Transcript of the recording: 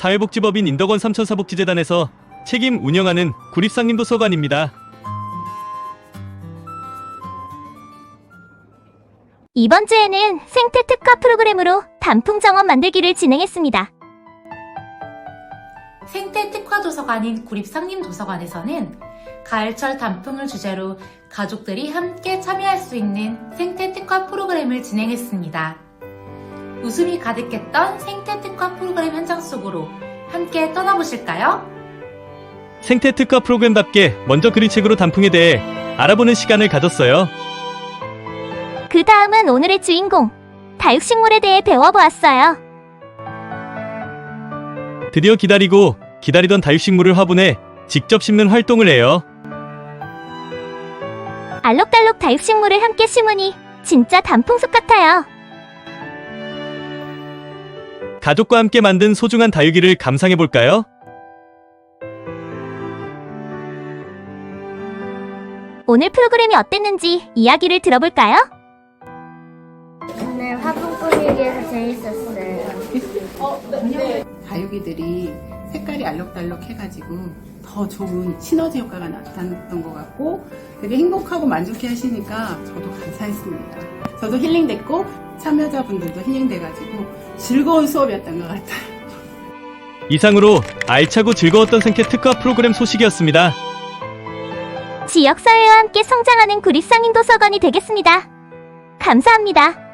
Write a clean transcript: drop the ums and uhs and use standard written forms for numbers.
사회복지법인 인덕원 삼천사복지재단에서 책임 운영하는 구립상림도서관입니다. 이번 주에는 생태 특화 프로그램으로 단풍 정원 만들기를 진행했습니다. 생태 특화 도서관인 구립상림도서관에서는 가을철 단풍을 주제로 가족들이 함께 참여할 수 있는 생태 특화 프로그램을 진행했습니다. 웃음이 가득했던 생태 특화 프로그램 현장 속으로 함께 떠나보실까요? 생태 특화 프로그램답게 먼저 그림책으로 단풍에 대해 알아보는 시간을 가졌어요. 그 다음은 오늘의 주인공, 다육식물에 대해 배워보았어요. 드디어 기다리던 다육식물을 화분에 직접 심는 활동을 해요. 알록달록 다육식물을 함께 심으니 진짜 단풍숲 같아요. 가족과 함께 만든 소중한 다육이를 감상해볼까요? 오늘 프로그램이 어땠는지 이야기를 들어볼까요? 오늘 화분 꾸미기에서 재밌었어요. 다육이들이 색깔이 알록달록 해가지고 더 좋은 시너지 효과가 나타났던 것 같고 되게 행복하고 만족해 하시니까 저도 감사했습니다. 저도 힐링됐고 참여자분들도 힐링돼가지고 즐거운 수업이었던 것 같아요. 이상으로 알차고 즐거웠던 생태 특화 프로그램 소식이었습니다. 지역사회와 함께 성장하는 구립상림도서관이 되겠습니다. 감사합니다.